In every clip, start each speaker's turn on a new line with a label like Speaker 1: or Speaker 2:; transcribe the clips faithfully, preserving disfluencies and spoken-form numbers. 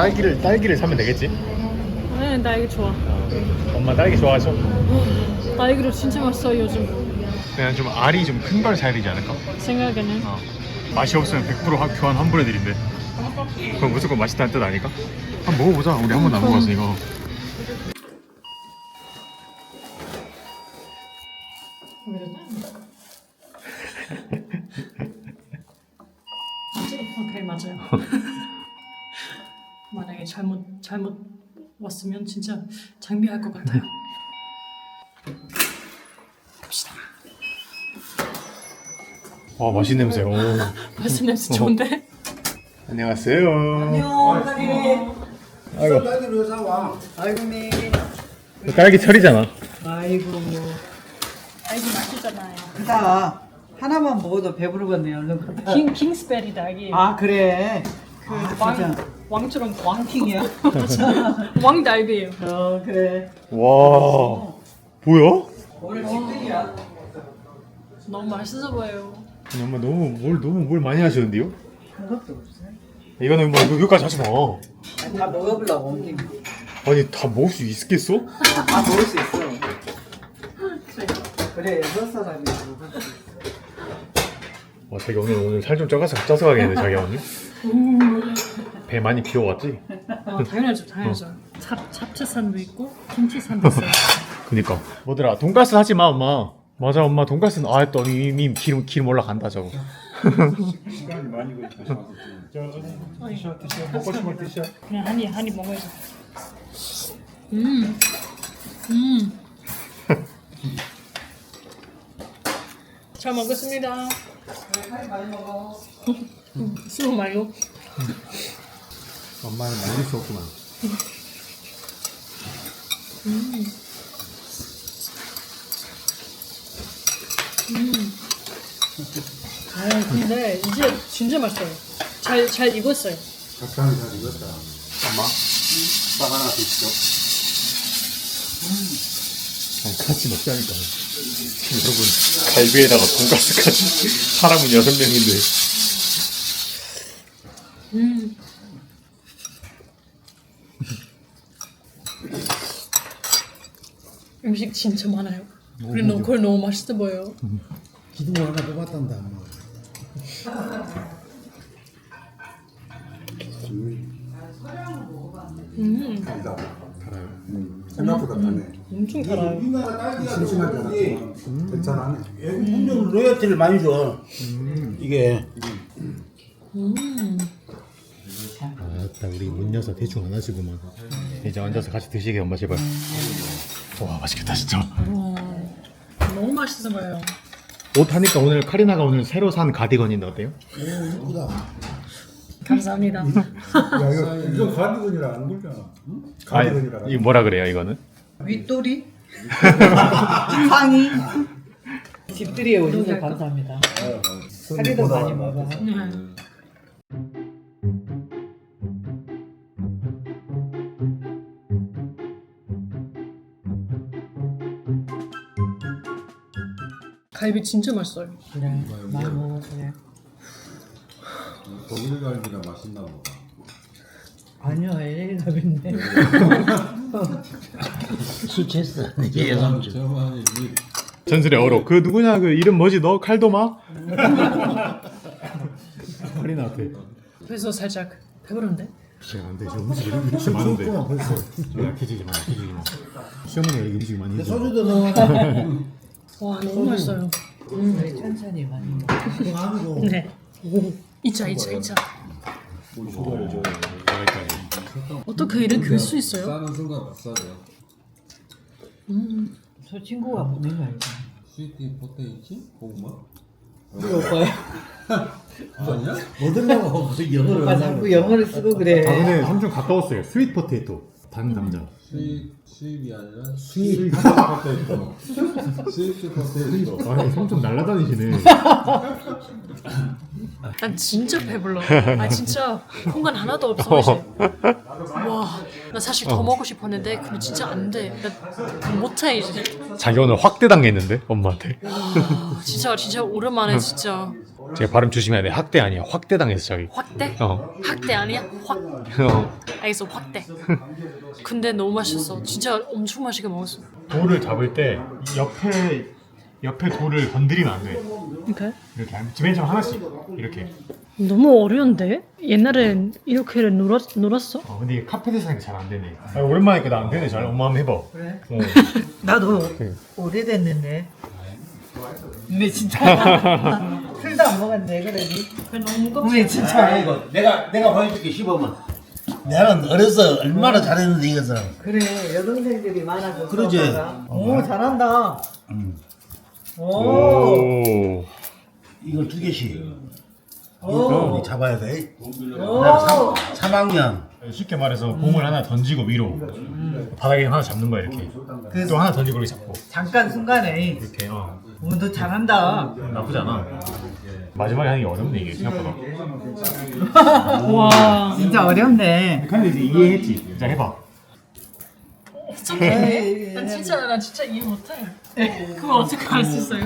Speaker 1: 딸기를 딸기를 사면 되겠지?
Speaker 2: 네, 딸기 좋아.
Speaker 1: 어, 엄마 딸기 좋아하죠?
Speaker 2: 딸기로 진짜 맛있어 요즘.
Speaker 1: 그냥 좀 알이 좀 큰 걸 사야 되지 않을까?
Speaker 2: 생각에는.
Speaker 1: 어. 맛이 없으면 백 퍼센트 학- 교환 환불해드린대. 그럼 무조건 맛있다는 뜻 아닐까? 한번 먹어보자. 우리 한 번도 안 먹어봤어 이거.
Speaker 2: 오케이 맞아요. 만약에 잘못 잘못 왔으면 진짜 장비할 것 같아요. 갑시다.
Speaker 1: 와 맛있는 냄새. 오.
Speaker 2: 맛있는 냄새 좋은데?
Speaker 1: 안녕하세요.
Speaker 3: 안녕, 딸기.
Speaker 1: 아이고.
Speaker 3: 딸기를 왜 사와? 아이고, 네.
Speaker 1: 딸기 철이잖아.
Speaker 3: 아이고.
Speaker 2: 딸기 맛있잖아요.
Speaker 3: 자, 하나만 먹어도 배부르겠네, 얼른.
Speaker 2: 킹 킹스베리 딸기.
Speaker 3: 아, 그래.
Speaker 2: 그
Speaker 3: 아,
Speaker 2: 왕,
Speaker 3: 진짜.
Speaker 2: 왕처럼 왕
Speaker 3: 킹이야?
Speaker 2: 왕 딸기예요.
Speaker 3: 어, 그래.
Speaker 1: 와. 뭐야?
Speaker 3: 오늘 집들이야.
Speaker 2: 너무 맛있어 보여요.
Speaker 1: 아니, 엄마 너무 뭘 너무 뭘 많이 하시는데요?
Speaker 3: 그것도 없어.
Speaker 1: 이거는 뭐 여기까지 하지 마.
Speaker 3: 아니, 다 먹어보려고 온 김에.
Speaker 1: 아니 다 먹을 수 있겠어?
Speaker 3: 다 먹을 수 있어. 그래, 여섯 사람이 먹을 수 있어.
Speaker 1: 와 자기 오늘 오늘 살 좀 쪄서 쪄서 가겠네 자기 오늘. 배 많이 비워왔지?
Speaker 2: 어, 당연하죠, 당연하죠. 잡 잡채산도 있고 김치산도 있어요.
Speaker 1: 그니까 뭐더라 돈가스 하지 마 엄마. 맞아 엄마 돈가스는 아 또 이미 기름 기름 올라간다 저거.
Speaker 4: 시간이 많이 걸리셔서 드셔 드셔 먹고 싶으면 드셔.
Speaker 2: 그냥 한입 한입 먹어야죠. 음, 음. 잘 먹겠습니다.
Speaker 3: 빨리 많이 먹어.
Speaker 2: 수고 말고.
Speaker 1: 엄마는 말릴 수 없구만.
Speaker 2: 아 근데 이제 진짜 맛있어요. 잘 잘 익었어요.
Speaker 4: 적당히 잘 익었다. 엄마, 딱 하나 드시죠.
Speaker 1: 아니 같이 먹자니까. 여러분 갈비에다가 돈가스까지 사람은 여섯 명인데.
Speaker 2: 음. 음식 진짜 많아요. 그리고 너무 그걸 너무 맛있어 보여요.
Speaker 4: 기둥 하나 뽑았단다. 엄마.
Speaker 2: 음,
Speaker 4: 달다. 달아요. 음. 생각보다 달네.
Speaker 2: 엄청 달아요.
Speaker 4: 심심하잖아. 괜찮아네.
Speaker 5: 음료 로열티를 많이 줘. 이게
Speaker 2: 음.
Speaker 1: 아따 우리 문 여서 대충 안 하시구만. 이제 앉아서 같이 드시게 엄마 제발. 와 맛있겠다 진짜.
Speaker 2: 와, 너무 맛있어 보여요.
Speaker 1: 옷 하니까 오늘 카리나가 오늘 새로 산 가디건인데 어때요?
Speaker 5: 이쁘다.
Speaker 2: 감사합니다.
Speaker 4: 야 이거 이거 가디건이라 안 굴잖아. 가디건이라.
Speaker 1: 아니, 이거 뭐라 그래요 이거는?
Speaker 3: 윗돌이? 상의? 집들이에 오셔서 감사합니다. 카리도 많이 먹어.
Speaker 2: 네. 갈비 진짜 맛있어요.
Speaker 3: 그래, 많이 먹어, 그래.
Speaker 4: 독일 갈비가 맛있나 보다.
Speaker 3: 아니요, 엘에이 가빈데.
Speaker 5: 술 취했어. 이게 여성주.
Speaker 4: 저번에 이
Speaker 1: 전설의 어록 그 누구냐 그 이름 뭐지 너 칼도마? 카리나 앞에.
Speaker 2: 그래서 살짝 배부른데?
Speaker 1: 진짜 안돼 지금 음식 이렇게 이렇게 많은데.
Speaker 5: 벌써.
Speaker 1: 약해지지 마 약해지지 마. 시어머니가 여기 음식 많이 해줘.
Speaker 5: 소주도 넣어.
Speaker 2: 와 너무 맛있어요.
Speaker 3: 우리 천천히 많이 먹어.
Speaker 5: 그거 아니고.
Speaker 2: 네. 이차 이차 이차. 어떻게 이런 글 수 있어요?
Speaker 4: 싸는 순간 맛싸죠.
Speaker 3: 저 친구가 보낸 거 알지?
Speaker 4: 스위트 포테이치? 고구마?
Speaker 3: 우리 오빠야.
Speaker 4: 아니야?
Speaker 5: 뭐 들라고 무슨 영어를
Speaker 3: 오빠 자꾸 영어를 쓰고 그래.
Speaker 1: 아 근데 삼촌 가까웠어요. 스윗 포테이토 단 감자.
Speaker 4: 스윗 스윗이 아니라 스윗 포테이토. 스위트 포테이토.
Speaker 1: 아니 삼촌 날라다니시네.
Speaker 2: 난 진짜 배불러. 아 진짜 공간 하나도 없어 이제. 와, 나 사실 더 먹고 싶었는데 근데 진짜 안 돼. 나 못해 이제.
Speaker 1: 자기 오늘 확대 당했는데 엄마한테.
Speaker 2: 와, 진짜 진짜 오랜만에 진짜
Speaker 1: 제가 발음 조심해야 돼. 학대 아니야. 확대 당했어 자기.
Speaker 2: 확대?
Speaker 1: 어.
Speaker 2: 학대 아니야? 확.
Speaker 1: 어.
Speaker 2: 알겠어, 확대. 근데 너무 맛있었어. 진짜 엄청 맛있게 먹었어.
Speaker 1: 돌을 잡을 때 옆에 옆에 돌을 건드리면 안 돼.
Speaker 2: 이렇게?
Speaker 1: 이렇게 맨 처음 하나씩 이렇게.
Speaker 2: 너무 어려운데? 옛날엔 이렇게 놀았, 놀았어?
Speaker 1: 어, 근데 이게 카페에서 하니까 잘 안 되네. 아, 오랜만에 니까 나 안 되네 잘. 엄마 한번 해봐.
Speaker 3: 그래?
Speaker 1: 어.
Speaker 3: 나도
Speaker 1: 그래.
Speaker 3: 오래됐는데. 근데 진짜 술도 안 먹었는데 그러니. 근데 진짜
Speaker 5: 이거 내가 내가 보여줄게 시범은. 나는 어려서 얼마나 잘했는데 이것은.
Speaker 3: 그래 여동생들이 많아서.
Speaker 5: 그러지.
Speaker 3: 오 잘한다.
Speaker 5: 음.
Speaker 3: 오.
Speaker 1: 오.
Speaker 5: 이걸 두 개씩.
Speaker 3: 오.
Speaker 5: 이거 잡아야 돼.
Speaker 3: 오.
Speaker 5: 삼 학년.
Speaker 1: 쉽게 말해서 공을 하나 던지고 위로 바닥에 하나 잡는 거야 이렇게.
Speaker 3: 그-
Speaker 1: 또 하나 던지고 이렇게 잡고
Speaker 3: 잠깐 순간에.
Speaker 1: 이렇게. 어.
Speaker 3: 오, 너 잘한다.
Speaker 1: 나쁘지 않아. 마지막에 하는 게 어렵네 이게 생각보다.
Speaker 2: 와.
Speaker 3: 진짜 어렵네.
Speaker 1: 근데 이제 이해했지. 자 해봐.
Speaker 2: 어떡해. 난 진짜, 난 진짜 이해 못해. 그걸 어떻게 할 수 있어요?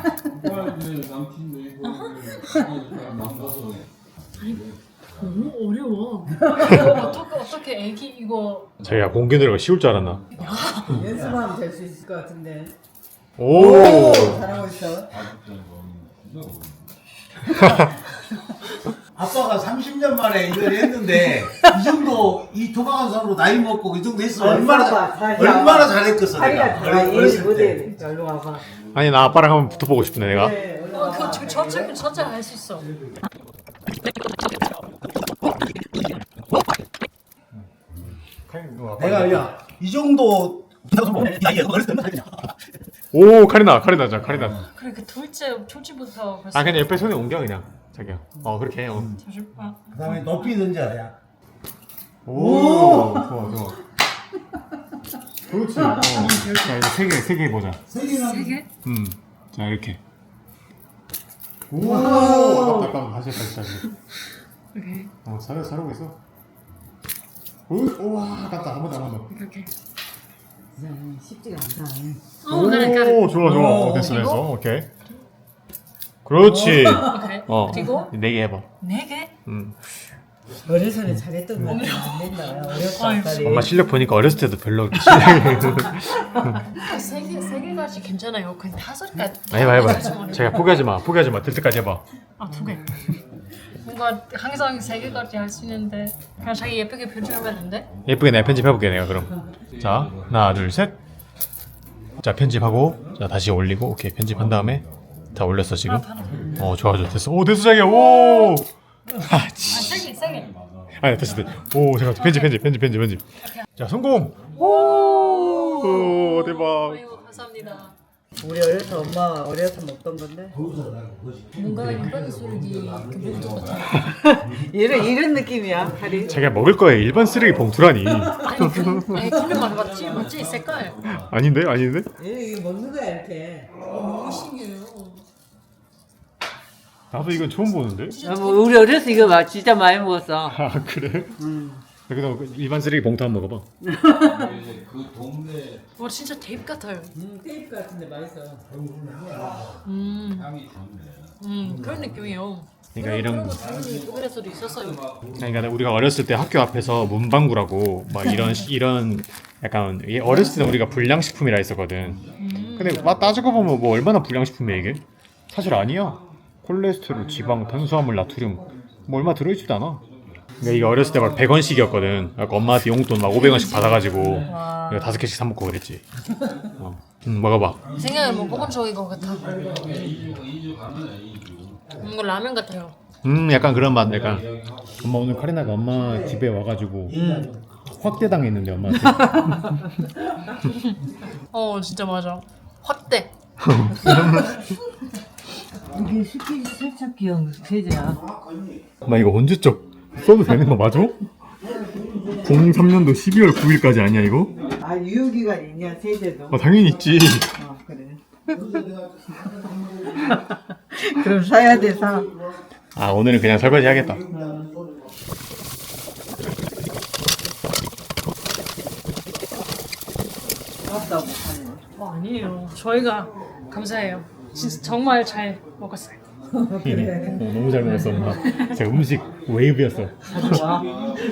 Speaker 2: 너무 어려워. 어떻게, 어떻게 애기 이거.
Speaker 1: 자기야 공기 노래가 쉬울 줄 알았나?
Speaker 3: 연습하면 될 수 있을 것 같은데.
Speaker 1: 오.
Speaker 3: 잘하고 있어.
Speaker 5: 아빠가 삼십 년 만에 이걸 했는데 이 정도 이 도박한선으로 나이 먹고 이 정도 했으면 얼마나
Speaker 3: 봐봐,
Speaker 5: 잘-
Speaker 3: 자기야.
Speaker 5: 얼마나 잘했겠어
Speaker 3: 자기가
Speaker 5: 내가.
Speaker 3: 다
Speaker 5: 어렸-
Speaker 3: 이해
Speaker 5: 어렸을 때.
Speaker 3: 못해. 얼른 와봐.
Speaker 1: 아니 나 아빠랑 한번 붙어보고 싶네 내가.
Speaker 3: 네, 얼른
Speaker 2: 어,
Speaker 3: 와봐.
Speaker 2: 그, 지금 저쪽, 저쪽 할수 있어.
Speaker 5: 내가 야이 정도 야 이게 어렸을 때 얼마나 잘했냐.
Speaker 1: 오 카리나 카리나 자 카리나.
Speaker 2: 그래, 그 둘째, 둘째부터 벌써.
Speaker 1: 아 그냥 옆에 손에 옮겨 그냥 자기야. 어 그렇게 해. 어.
Speaker 2: 잠시- 아,
Speaker 5: 그다음에 높이 던져 야.
Speaker 1: 오 좋아 좋아. 그렇지. 어. 자 이제 세 개 세 개 보자.
Speaker 2: 세 개?
Speaker 1: 음. 자 이렇게. 오. 아깝다 아깝다 다시 다시 다시.
Speaker 2: 오케이.
Speaker 1: 어 잘해 잘하고 있어. 오 우와 아깝다 한 번 더 한 번 더.
Speaker 2: 이렇게.
Speaker 3: 쉽지가 않다.
Speaker 2: 어, 그래, 그래.
Speaker 1: 오 좋아 좋아. 어, 됐어
Speaker 2: 이거?
Speaker 1: 됐어. 오케이. 그렇지.
Speaker 2: 오케이.
Speaker 1: 어.
Speaker 2: 그리고
Speaker 1: 네 개 해봐.
Speaker 2: 네 개?
Speaker 1: 음.
Speaker 3: 어려서는 잘했던 것 같아. 안 된다. 어렵다.
Speaker 2: 아이고.
Speaker 3: 딸이.
Speaker 1: 엄마 실력 보니까 어렸을 때도 별로 실력이.
Speaker 2: 세 개, 세 개까지 괜찮아요. 그냥 다섯 개.
Speaker 1: 해봐 해봐. 제가 포기하지 마. 포기하지 마. 될 때까지 해봐.
Speaker 2: 아, 두 개. 뭔가 항상 세 개까지 할 수 있는데 그냥 자기 예쁘게 표현하면 안 돼?
Speaker 1: 예쁘게 내가 편집해볼게 내가 그럼. 자 하나 둘 셋. 자 편집하고 자 다시 올리고 오케이 편집한 다음에 다 올렸어 지금. 어 좋아 좋아 됐어. 오 됐어 자기야. 오. 아
Speaker 2: 아,
Speaker 1: 지.
Speaker 2: 세 개, 세 개.
Speaker 1: 아니 됐어 됐어. 오 잠깐 편집 편집 편집 편집 편집. 자 성공. 오 대박.
Speaker 2: 아이고, 감사합니다.
Speaker 3: 우리 어려서 엄마 어려서 먹던 건데.
Speaker 2: 뭔가 일반 쓰레기 그 봉투 같아.
Speaker 3: 이런 이런 느낌이야. 칼이.
Speaker 1: 자기가 먹을 거에 일반 쓰레기 봉투라니.
Speaker 2: 아니, 그, 아니, 근데 말 맞지? 맞지? 색깔.
Speaker 1: 아닌데 아닌데?
Speaker 3: 얘 이게 먹는 거야 이렇게.
Speaker 2: 너무 신기해요.
Speaker 1: 나도 이건 처음 보는데.
Speaker 3: 아, 뭐 우리 어려서 이거 막 진짜 많이 먹었어.
Speaker 1: 아 그래? 그래도 일반 쓰레기 봉투 한번 먹어봐.
Speaker 2: 와, 진짜 테이프 같아요.
Speaker 3: 음, 테이프 같은데 맛있어.
Speaker 2: 음, 음 그런 느낌이에요.
Speaker 1: 그러니까 이런.
Speaker 2: 거 당연히 포그레스도 있었어요.
Speaker 1: 그러니까 우리가 어렸을 때 학교 앞에서 문방구라고 막 이런 시- 이런 약간 이 어렸을 때는 우리가 불량식품이라 했었거든. 근데 막 따지고 보면 뭐 얼마나 불량식품이야 이게? 사실 아니야. 콜레스테롤, 지방, 탄수화물, 나트륨 뭐 얼마 들어있지도 않아. 그러니까 이게 어렸을 때 막 백 원씩이었거든. 그러니까 엄마한테 용돈 막 오백 원씩 받아가지고 이거 다섯 개씩 사 먹고 그랬지. 어. 음, 먹어봐.
Speaker 2: 생각해 뭐 먹은 적인 것 같아. 뭔가 라면 같아요.
Speaker 1: 음 약간 그런 맛 약간. 엄마 오늘 카리나가 엄마 집에 와가지고 확대 당했는데 엄마한테.
Speaker 2: 어, 진짜 맞아. 확대.
Speaker 3: 이게 스키 세척기용 세제야.
Speaker 1: 엄마 이거 언제적 써도 되는 거 맞아? 공삼 년도 십이월 구일까지 아니야 이거?
Speaker 3: 아 유효기간 있냐 세제도.
Speaker 1: 아 당연히 있지.
Speaker 3: 어 그래. 그럼 사야 돼 사.
Speaker 1: 아 오늘은 그냥 설거지 하겠다.
Speaker 3: 맞다고.
Speaker 2: 어, 아니에요. 저희가 감사해요. 진짜 정말 잘 먹었어요.
Speaker 1: 이네. 어, 너무 잘 먹었어 엄마. 제가 음식 웨이브였어.
Speaker 3: 좋아.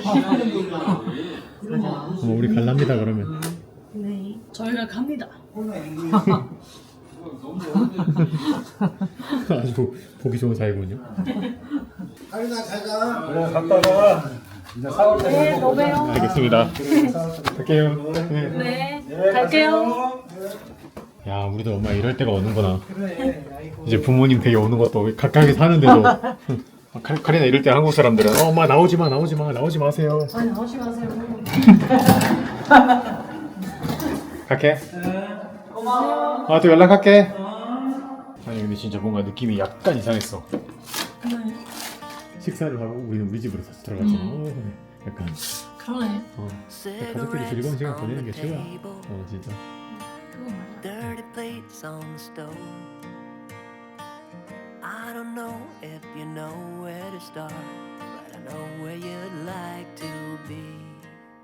Speaker 1: 어, 우리 갈랍니다 그러면.
Speaker 2: 네. 저희가 갑니다.
Speaker 1: 아주 보기 좋은 사이군요.
Speaker 5: 아리나 잘가.
Speaker 4: 그래 갔다가 이제 사올 때
Speaker 2: 네, 또 봬요.
Speaker 1: 알겠습니다. 갈게요. 네.
Speaker 2: 네, 갈게요.
Speaker 1: 야 우리도 엄마 이럴 때가 오는구나. 이제 부모님 댁에 오는 것도 가까이 사는데도 카, 카리나 이럴 때 한국 사람들은 어, 엄마 나오지 마 나오지 마 나오지 마세요.
Speaker 2: 아니, 나오지 마세요.
Speaker 1: 갈게. 아 또 연락할게. 아니 근데 진짜 뭔가 느낌이 약간 이상했어.
Speaker 2: 네.
Speaker 1: 식사를 하고 우리는 우리 집으로 다시 들어갔잖아.
Speaker 2: 음.
Speaker 1: 어, 약간
Speaker 2: 그러네.
Speaker 1: 어, 가족끼리 즐거운 시간 보내는 게 최고야. 어 진짜.
Speaker 2: 그거 맞아.
Speaker 6: Dirty plates on the stove. I don't know if you know where to start, but I know where you'd like to be.